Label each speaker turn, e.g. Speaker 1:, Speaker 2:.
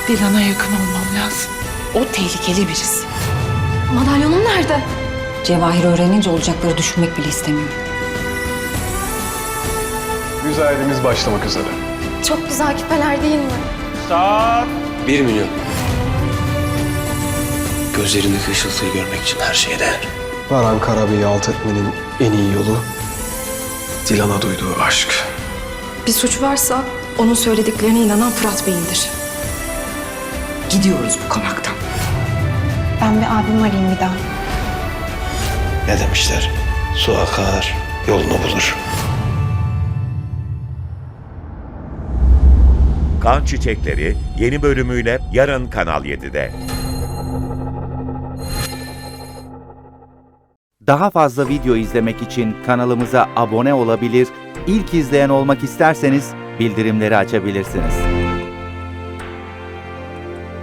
Speaker 1: Dilan'a yakın olmam lazım. O tehlikeli birisi.
Speaker 2: Madalyonum nerede?
Speaker 3: Cevahir öğrenince olacakları düşünmek bile istemiyorum.
Speaker 4: Müzayedemiz başlamak üzere.
Speaker 2: Çok güzel küpeler değil mi?
Speaker 5: 1 milyon. Gözlerindeki ışıltıyı görmek için her şeye değer.
Speaker 4: Baran Karabey'i alt etmenin en iyi yolu Dilan'a duyduğu aşk.
Speaker 2: Bir suç varsa onun söylediklerine inanan Fırat Bey'indir.
Speaker 3: Gidiyoruz bu konaktan.
Speaker 2: Ben bir abimi arayayım bir daha.
Speaker 5: Ne demişler? Su akar, yolunu bulur.
Speaker 6: Kan Çiçekleri yeni bölümüyle yarın Kanal 7'de.
Speaker 7: Daha fazla video izlemek için kanalımıza abone olabilir, ilk izleyen olmak isterseniz bildirimleri açabilirsiniz.